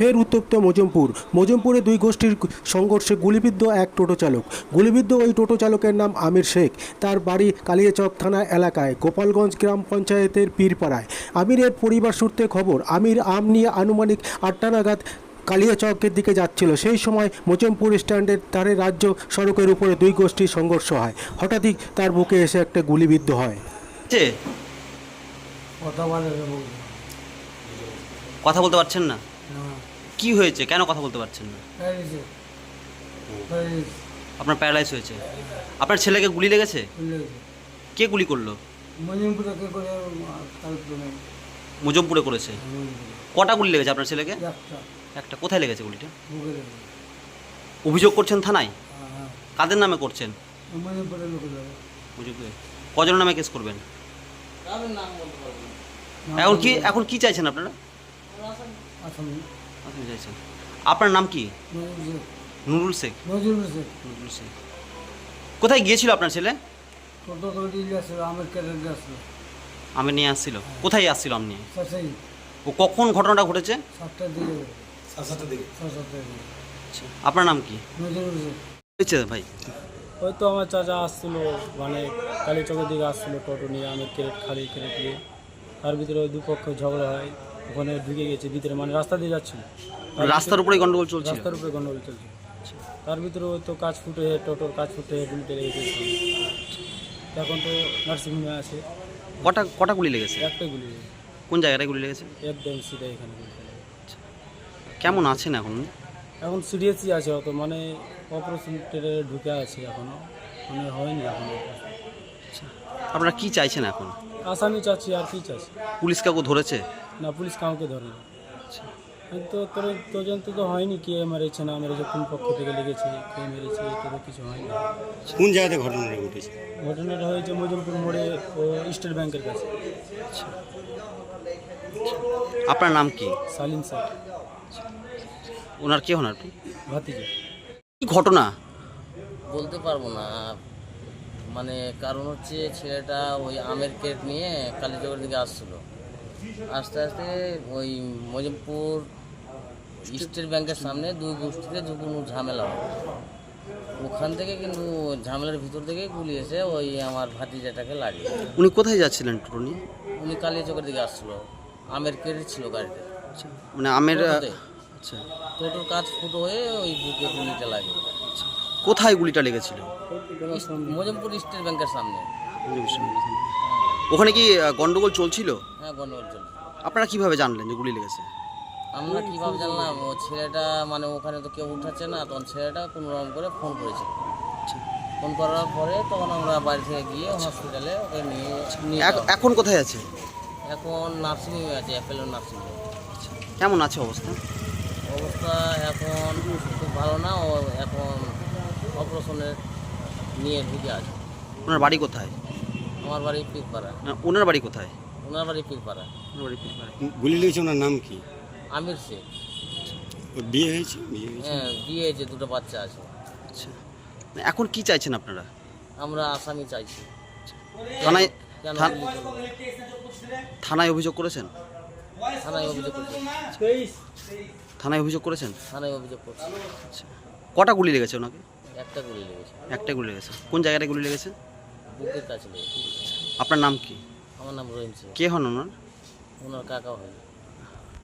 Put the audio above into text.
ফের উত্তপ্ত মজমপুরে দুই গোষ্ঠীর সংঘর্ষে গুলিবিদ্ধ এক টোটো চালক। গুলিবিদ্ধ ওই টোটো চালকের নাম আমির শেখ। তার বাড়ি কালিয়াচক থানা এলাকায় গোপালগঞ্জ গ্রাম পঞ্চায়েতের পীরপাড়ায়। আমিরের পরিবার সূত্রে খবর, আমির আম নিয়ে আনুমানিক 8টা নাগাদ কালিয়াচকের দিকে যাচ্ছিল। সেই সময় মজমপুর স্ট্যান্ডের ধারে রাজ্য সড়কের উপরে দুই গোষ্ঠীর সংঘর্ষ হয়। হঠাৎই তার বুকে এসে একটা গুলিবিদ্ধ হয়। কথা বলতে পারছেন না? কি হয়েছে, কেন কথা বলতে পারছেন না? আপনার প্যারালাইজ হয়েছে। আপনার ছেলেকে গুলি লেগেছে? কে গুলি করলো? মুজমপুরে করেছে। কটা গুলি লেগেছে আপনার ছেলেকে? একটা। কোথায় লেগেছে গুলিটা? অভিযোগ করছেন থানায়? কাদের নামে করছেন? মুজমপুরে। কজনের নামে কেস করবেন? এখন কি চাইছেন আপনারা? চাইছেন। আপনার নাম কি? নুরুল শেখ। কোথায় গিয়েছিল আপনার ছেলে? আমের নিয়ে আসছিল। কোথায় আসছিল আম নিয়ে? ও কখন ঘটনাটা ঘটেছে? আপনার নাম কি হয়েছে ভাই? হয়তো আমার চাচা আসছিল, মানে কালীচকের দিকে আসছিল টোটো নিয়ে, আমের খালি ক্যারেট নিয়ে। তার ভিতরে ওই দুপক্ষ ঝগড়া হয়, ওখানে ঢুকে গেছে ভিতরে, মানে রাস্তা দিয়ে যাচ্ছিল। রাস্তার উপরে গন্ডগোল চলছে? রাস্তার উপরে গন্ডগোল চলছে। তার ভিতরে ওই তো কাজ ফুটে, টোটোর কাজ ফুটে গুলিতে লেগে গেছে। এখন তো নার্সিংহোমে আছে। কটা গুলি লেগেছে? একটাই গুলি লেগেছে। কোন জায়গাটায় গুলি লেগেছে? একদম সিধা এখানে গুলি লেগেছে। কেমন আছেন এখন? এখন সিরিয়াসই আছে, অত মানে অপারেশন থিয়েটারে ঢুকে আছে, এখনও মানে হয়নি এখনও। আপনারা কি চাইছেন এখন? আসামি চাচ্ছি, আর কি চাচ্ছি। পুলিশ কাউকে ধরেছে? না, পুলিশ কাউকে ধরেনি। তো তদন্ত তো হয়নি, কে মেরেছে না মেরেছে, কোন পক্ষ থেকে লেগেছে, কে মেরেছে, এটা তো কিছু হয়নি। কোন জায়গাতে ঘটনাটা ঘটেছে? ঘটনাটা হয়েছে মজমপুর মোড়ে, ও স্টেট ব্যাংকের কাছে। আপনার নাম কি? সালিম স্যার। ওনার কে হন আপনি? ভাতিজা। কি ঘটনা? বলতে পারবো না, মানে কারণ হচ্ছে ছেলেটা ওই আমের কেট নিয়ে কালীচকের দিকে আসছিলো। আস্তে আস্তে ওই মজমপুর স্টেট ব্যাংকের সামনে দুই গোষ্ঠীতে কোনো ঝামেলা হয়। ওখান থেকে কিন্তু ঝামেলার ভিতর থেকে গুলি এসে ওই আমার ভাতিজাটাকে লাগে। উনি কোথায় যাচ্ছিলেন টোটো নিয়ে? উনি কালীচকের দিকে আসছিলো, আমের কেট ছিল গাড়িতে। মানে আমের আচ্ছা, টোটোর কাজ ফুটো হয়ে ওই বুকে গুলিটা লাগে। কোথায় গুলিটা লেগেছিল? মজমপুর স্টেট ব্যাংকের সামনে। ওখানে কি গন্ডগোল চলছিল? হ্যাঁ, গন্ডগোল চলছে। আপনারা কিভাবে জানলেন যে গুলি লেগেছে? আমরা কীভাবে জানলাম? ও ছেলেটা, মানে ওখানে তো কেউ উঠাচ্ছে না, তখন ছেলেটা কোনো রকম করে ফোন করেছিল। ফোন করার পরে তখন আমরা বাড়ি থেকে গিয়ে হসপিটালে ওকে নিয়ে এখন কোথায় আছে? এখন নার্সিংহোমে আছে, অ্যাপেলো নার্সিংহোমে। কেমন আছে অবস্থা? অবস্থা এখন খুব ভালো না, ও এখন অপারেশনের নিয়ে ঢুকে আছে। ওনার বাড়ি কোথায়? আমার বাড়ি পীরপাড়া। ওনার বাড়ি কোথায়? ওনার বাড়ি পীরপাড়া। ওনার বাড়ি পীরপাড়া। গুলি লেগেছে, ওনার নাম কি? আমির শেখ। ওর বিয়ে হয়েছে? হ্যাঁ, বিয়ে হয়েছে, দুটো বাচ্চা আছে। আচ্ছা, এখন কি চাইছেন আপনারা? আমরা আসামি চাইছি। থানায় কেন থান- গুলি করলো? থানায় অভিযোগ করেছেন? থানায় অভিযোগ করছি। থানায় অভিযোগ করেছেন? থানায় অভিযোগ করছি। আচ্ছা, কটা গুলি লেগেছে ওনাকে? একটা গুলি লেগেছে, একটাই গুলি লেগেছে। কোন জায়গাটায় গুলি লেগেছে? বুকের কাছে লেগেছে। আপনার নাম কি? আমার নাম রহিম সিং। কে হন ওনার? ওনার কাকা হয়।